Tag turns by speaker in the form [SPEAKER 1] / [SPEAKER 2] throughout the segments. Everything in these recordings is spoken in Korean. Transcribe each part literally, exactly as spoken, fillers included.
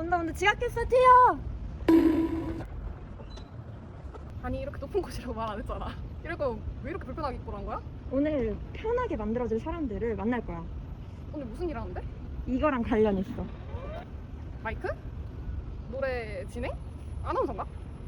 [SPEAKER 1] 온다 온다. 지각했어 튀어.
[SPEAKER 2] 아니 이렇게 높은 곳이라고 말 안 했잖아. 이럴 거면 왜 이렇게 불편하게 입고 간 거야?
[SPEAKER 1] 오늘 편하게 만들어줄 사람들을 만날 거야.
[SPEAKER 2] 오늘 무슨 일 하는데?
[SPEAKER 1] 이거랑 관련 있어.
[SPEAKER 2] 마이크? 노래 진행? 아나운서인가?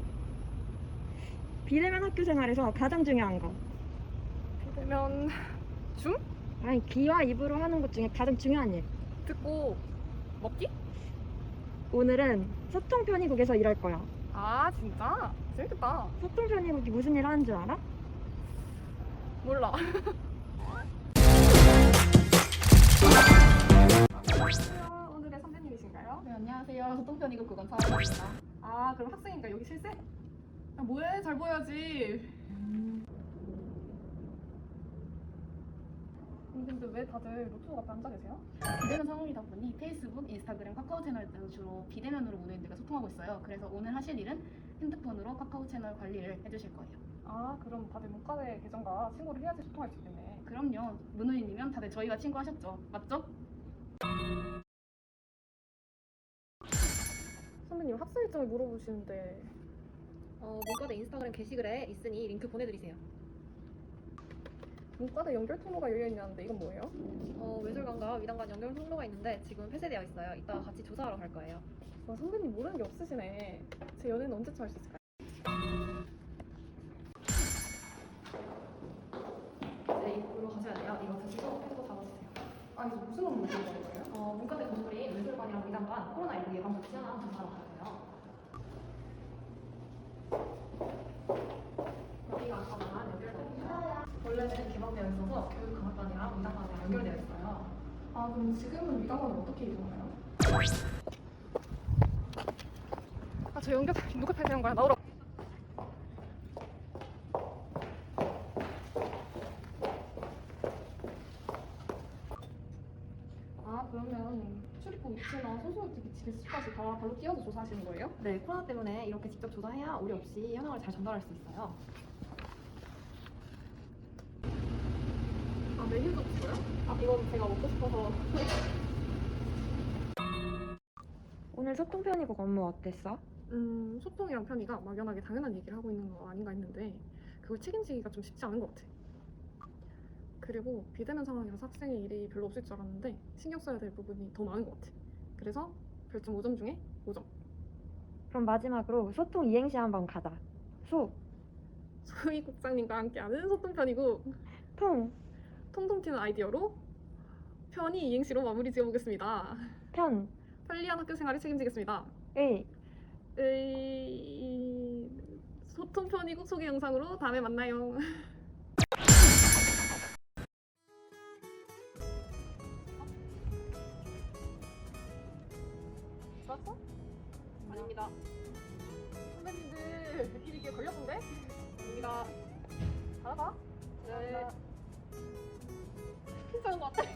[SPEAKER 1] 비대면 학교 생활에서 가장 중요한 거.
[SPEAKER 2] 비대면 줌?
[SPEAKER 1] 아니 귀와 입으로 하는 것 중에 가장 중요한 일.
[SPEAKER 2] 듣고 먹기?
[SPEAKER 1] 오늘은 소통 편의국에서 일할 거야.
[SPEAKER 2] 아 진짜? 재밌겠다.
[SPEAKER 1] 소통 편의국이 무슨 일 하는 줄 알아?
[SPEAKER 2] 몰라. 안녕하세요. 오늘의 선배님이신가요?
[SPEAKER 3] 네, 안녕하세요. 소통편이고 그건 사원입니다.
[SPEAKER 2] 아 그럼 학생이니까 여기 실세? 야 뭐해 잘 보여야지. 근데 왜 다들 노트북 앞에 앉아 계세요?
[SPEAKER 3] 비대면 상황이다 보니 페이스북, 인스타그램, 카카오 채널 등 주로 비대면으로 문의인들과 소통하고 있어요. 그래서 오늘 하실 일은 핸드폰으로 카카오 채널 관리를 해주실 거예요.
[SPEAKER 2] 아 그럼 다들 문과대 계정과 친구를 해야지 소통할 수 있겠네.
[SPEAKER 3] 그럼요. 문의인이면 다들 저희가 친구하셨죠? 맞죠?
[SPEAKER 2] 선배님 학생 일정을 물어보시는데
[SPEAKER 4] 어, 문과대 인스타그램 게시글에 있으니 링크 보내드리세요.
[SPEAKER 2] 문과대 연결 통로가 열려있냐는데 이건 뭐예요?
[SPEAKER 4] 어, 외술관과 위단관 연결 통로가 있는데 지금 폐쇄되어 있어요. 이따가 같이 조사하러 갈 거예요.
[SPEAKER 2] 와 선배님 모르는 게 없으시네. 제 연애는 언제쯤 할 수 있을까요?
[SPEAKER 4] 네, 입구로 가셔야 돼요. 이거 드시고 펜도 잡아주세요.
[SPEAKER 2] 아니 저 무슨 업무 보는 거예요?
[SPEAKER 4] 어, 문과대 건물인 외술관이랑 위단관 코로나십구 예방 조치 하나 조사하러 가야 돼요. 여기가 아까 말한 연결 통로예요. 원래는 개방되어 있어서 교육감학관이랑 위단관이랑 연결되어 있어요.
[SPEAKER 2] 아 그럼 지금은 위단관을 어떻게 이동하나요? 아 저 연결 누가 폐쇄한 거야? 나오라. 아 그러면 출입구 위치나 소소의 위치까지 다 발로 뛰어서 조사하시는 거예요?
[SPEAKER 4] 네, 코로나 때문에 이렇게 직접 조사해야 오류 없이 현황을 잘 전달할 수 있어요.
[SPEAKER 2] 아 메뉴도 없어요? 아 이건 제가 먹고 싶어서.
[SPEAKER 1] 오늘 소통 편의국 업무 어땠어?
[SPEAKER 2] 음 소통이랑 편의가 막연하게 당연한 얘기를 하고 있는 거 아닌가 했는데 그걸 책임지기가 좀 쉽지 않은 것 같아. 그리고 비대면 상황이라서 학생의 일이 별로 없을 줄 알았는데 신경 써야 될 부분이 더 많은 것 같아. 그래서 별점 오 점 중에 오 점.
[SPEAKER 1] 그럼 마지막으로 소통 이행시 한번 가자. 소,
[SPEAKER 2] 소희 국장님과 함께하는 소통 편이고
[SPEAKER 1] 통,
[SPEAKER 2] 통통 튀는 아이디어로 편의 이행시로 마무리 지어보겠습니다.
[SPEAKER 1] 편,
[SPEAKER 2] 편리한 학교 생활을 책임지겠습니다.
[SPEAKER 1] 의.
[SPEAKER 2] 의... 소통 편의국 소개 영상으로 다음에 만나요. 좋았어? 아닙니다. 선배님들 느낌 있게 걸렸는데? 아닙니다. 잘하다. 네. 진짜 한것 같아.